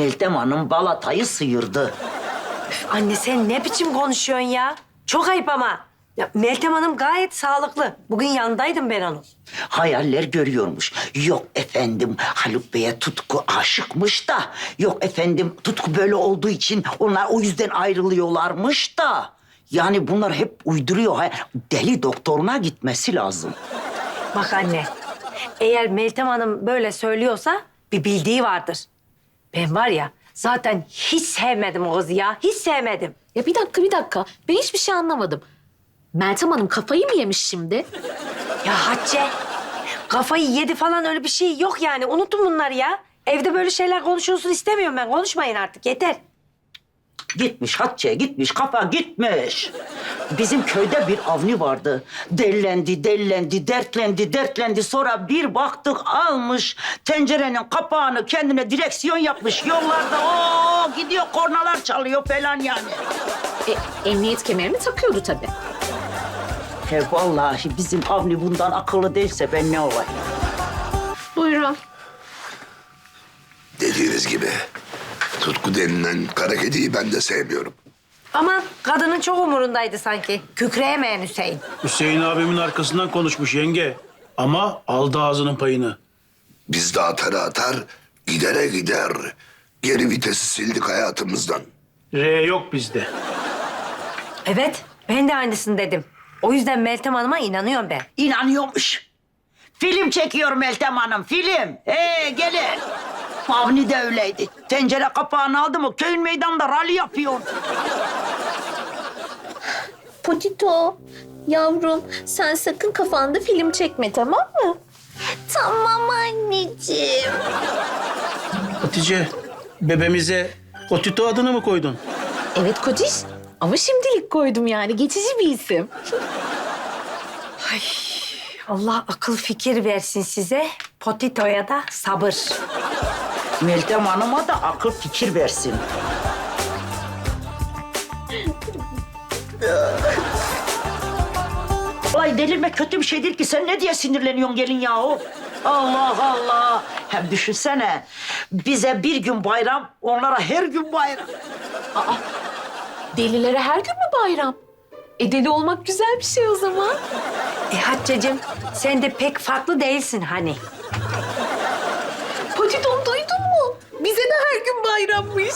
Meltem Hanım balatayı sıyırdı. Anne sen ne biçim konuşuyorsun ya? Çok ayıp ama. Ya, Meltem Hanım gayet sağlıklı. Bugün yanındaydım ben onun. Hayaller görüyormuş. Yok efendim Haluk Bey'e Tutku aşıkmış da. Yok efendim Tutku böyle olduğu için onlar o yüzden ayrılıyorlarmış da. Yani bunlar hep uyduruyor. Deli doktoruna gitmesi lazım. Bak anne, eğer Meltem Hanım böyle söylüyorsa bir bildiği vardır. Ben var ya zaten hiç sevmedim o kızı ya. Hiç sevmedim. Ya bir dakika. Ben hiçbir şey anlamadım. Meltem Hanım kafayı mı yemiş şimdi? Ya Hatice, kafayı yedi falan öyle bir şey yok yani. Unutun bunları ya. Evde böyle şeyler konuşulsun istemiyorum ben. Konuşmayın artık yeter. Gitmiş Hatice gitmiş kafa gitmiş. Bizim köyde bir Avni vardı. Dertlendi. Sonra bir baktık almış tencerenin kapağını kendine direksiyon yapmış. Yollarda gidiyor kornalar çalıyor falan yani. Emniyet kemerini takıyordu tabii. Vallahi bizim Avni bundan akıllı değilse ben ne olayım? Buyurun. Dediğiniz gibi Tutku denilen kara kediyi ben de sevmiyorum. Ama kadının çok umurundaydı sanki. Kükreyemeyen Hüseyin. Hüseyin abimin arkasından konuşmuş yenge. Ama aldı ağzının payını. Biz de atar gidere gider. Geri vitesi sildik hayatımızdan. R yok bizde. Evet, ben de aynısını dedim. O yüzden Meltem Hanım'a inanıyorum ben. İnanıyormuş. Film çekiyor Meltem Hanım, film. Gelin. Avni de öyleydi. Tencere kapağını aldı mı köyün meydanında rally yapıyor. Potito, yavrum sen sakın kafanda film çekme tamam mı? Tamam anneciğim. Hatice, bebemize Otito adını mı koydun? Evet kociş ama şimdilik koydum yani geçici bir isim. Allah akıl fikir versin size. Potito'ya da sabır. Meltem Hanım'a da akıl fikir versin. Vallahi delirme kötü bir şey değil ki. Sen ne diye sinirleniyorsun gelin yahu? Allah Allah. Hem düşünsene. Bize bir gün bayram, onlara her gün bayram. Delilere her gün mü bayram? Deli olmak güzel bir şey o zaman. Hatice'cim sen de pek farklı değilsin hani. Potito'm duydun mu? Bize de her gün bayrammış.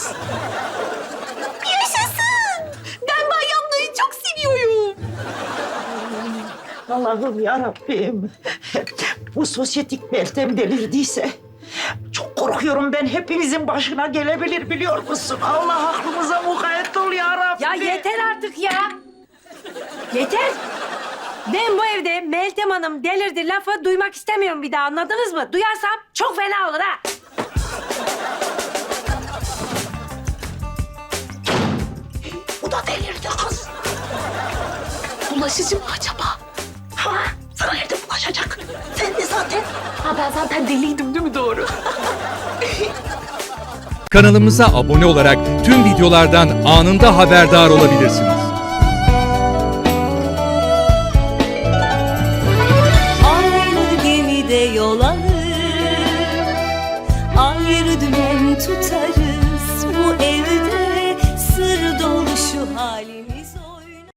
Yaşasın! Ben bayramları çok seviyorum. Allah'ım yarabbim. Bu sosyetik Meltem delirdiyse çok korkuyorum ben. Hepinizin başına gelebilir biliyor musun? Allah aklımıza mukayyet ol yarabbim. Ya yeter artık ya. Yeter. Ben bu evde Meltem Hanım delirdi lafı duymak istemiyorum bir daha anladınız mı? Duyarsam çok fena olur ha. Bu da delirdi kız. Bulaşıcı mı acaba? Ha, sana nerede bulaşacak? Sen de zaten. Ha ben zaten deliydim değil mi doğru? Kanalımıza abone olarak tüm videolardan anında haberdar olabilirsiniz. Aynı gemide yol alır, ayrı dümen tutarız.